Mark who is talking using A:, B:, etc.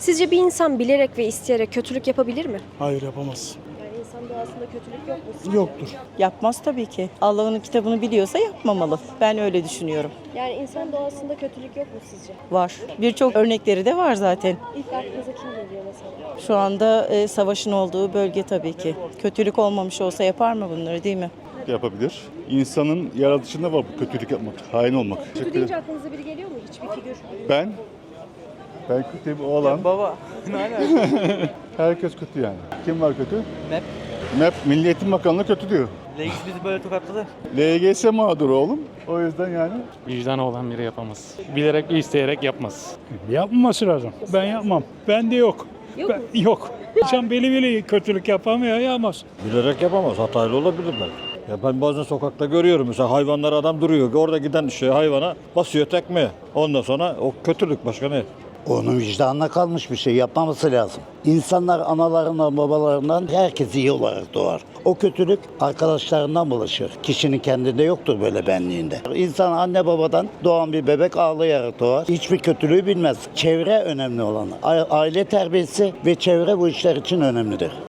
A: Sizce bir insan bilerek ve isteyerek kötülük yapabilir mi?
B: Hayır, yapamaz.
A: Yani insan doğasında kötülük yok mu sizce?
B: Yoktur.
C: Yapmaz tabii ki. Allah'ın kitabını biliyorsa yapmamalı. Ben öyle düşünüyorum.
A: Yani insan doğasında kötülük yok mu sizce?
C: Var. Birçok örnekleri de var zaten.
A: İlk aklınıza kim geliyor mesela?
C: Şu anda savaşın olduğu bölge tabii ki. Kötülük olmamış olsa yapar mı bunları, değil mi?
D: Yapabilir. İnsanın yaratışında var bu kötülük yapmak, hain olmak.
A: Kötü deyince aklınıza biri geliyor mu? Hiçbir figür.
D: Ben kötü bir oğlan.
E: Baba.
D: Herkes kötü yani. Kim var kötü?
E: MEP.
D: MEP, Milli Eğitim Bakanlığı kötü diyor.
E: Legis bizi böyle tokatladı.
D: LGS mağduru oğlum. O yüzden yani.
F: Vicdanı olan biri yapamaz. Bilerek ve isteyerek yapmaz.
B: Yapmaması lazım. Ben yapmam. Bende yok. Yok. İnsan beli kötülük yapamıyor, yapamaz.
G: Bilerek yapamaz. Hatalı olabilir belki. Ya ben bazen sokakta görüyorum mesela hayvanlar adam duruyor. Orada giden hayvana basıyor tekme. Ondan sonra o kötülük başka ne?
H: Onun vicdanına kalmış bir şey yapmaması lazım. İnsanlar analarından, babalarından herkes iyi olarak doğar. O kötülük arkadaşlarından bulaşır. Kişinin kendinde yoktur böyle benliğinde. İnsan anne babadan doğan bir bebek ağlayarak doğar. Hiçbir kötülüğü bilmez. Çevre önemli olan. Aile terbiyesi ve çevre bu işler için önemlidir.